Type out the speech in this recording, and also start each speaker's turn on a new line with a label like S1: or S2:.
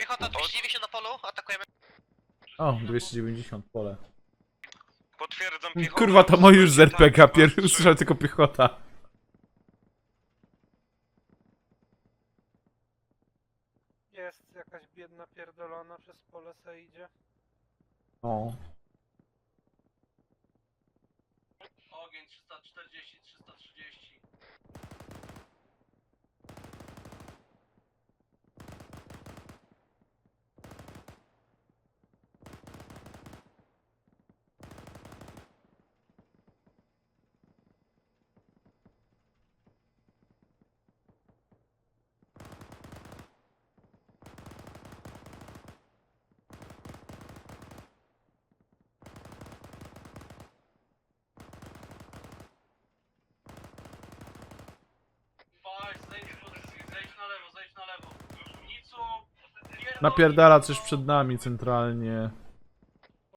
S1: Piechota 290 na polu, atakujemy.
S2: O, 290 pole.
S3: Potwierdzam piechotę.
S2: Kurwa, to moi już z RPGa,
S3: Tak,
S2: pierwszy usłyszałem tylko piechota.
S4: Jest jakaś biedna pierdolona przez pole se idzie.
S2: O.
S1: Ogień 340, 330. Zejdź z pozycji, zejdź na lewo, zejdź na lewo. Nicu,
S2: Napierdala coś przed nami centralnie.